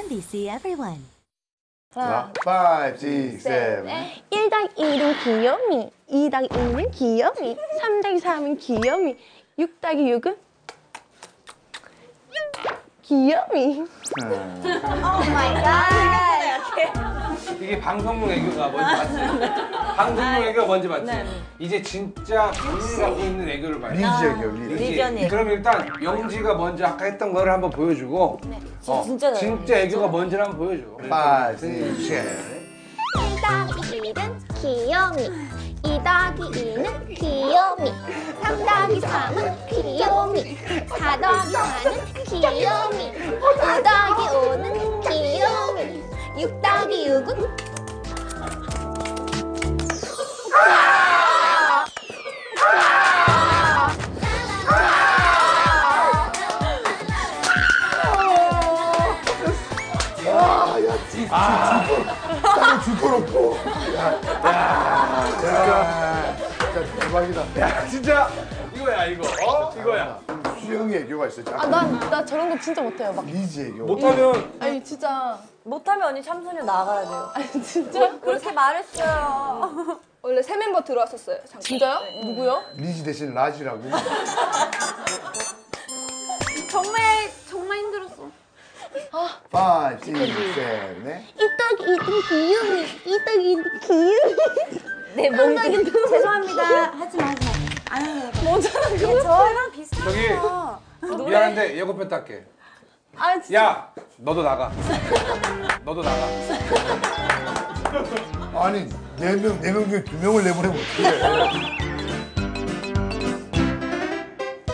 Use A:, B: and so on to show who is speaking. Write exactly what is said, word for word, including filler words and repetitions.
A: 엠비씨 everyone.
B: 하나, five, six, seven.
C: 일 더하기 일은 귀요미, 이 더하기 이는 귀요미, 삼 더하기 삼은 귀요미, 육 더하기 육은 귀요미.
D: 오 마이 갓.
E: 이게 방송용 애교가 뭔지 봤어요? 방송용 애교가 뭔지 봤지?
F: 네.
E: 이제 진짜 본인이 갖고 있는 애교를 봐요.
B: 리지 애교, 리지.
E: 리지.
F: 리전이.
E: 그럼 일단 영지가 먼저 아까 했던 거를 한번 보여주고
F: 네.
E: 어,
F: 진짜 잘해요.
E: 진짜 애교가 뭔지를 한번 보여줘.
B: five, six, seven.
D: 일 더하기 일은 귀요미, 이 더하기 이는 귀요미, 삼 더하기 삼은 귀요미, 사 더하기 사는 귀요미, 오 더하기 오는 귀요미, 육 더하기 육은
B: 땅에 죽어놓고. 야, 야, 야, 진짜 대박이다.
E: 야 진짜 이거야 이거. 어? 이거야.
B: 수영이 애교가 있어.
C: 아, 난, 나 저런 거 진짜 못해요. 막.
B: 리지 애교.
E: 못하면
C: 아니, 진짜.
F: 못하면 언니 참소녀 나가야 돼요.
C: 아니, 진짜?
F: 그렇게 말했어요.
G: 원래 새 멤버 들어왔었어요. 잠깐.
C: 진짜요? 누구요?
B: 리지 대신 라지라고.
D: 정말 정말 힘들었어.
B: five, six, seven. 네?
C: 일 더하기 일은 귀요미, 이 더하기 일은 귀요미.
F: 네, 뭔지 죄송합니다. 하지 마, 하지 마. 안 해요. 뭐잖아, 그거. 저랑 비슷해요.
E: 저기 미안한데 예고편 딸게.
C: 아, 진짜.
E: 야 너도 나가. 너도 나가.
B: 아니, 네 명, 네 명 중에 두 명을 내보내면 어떡해.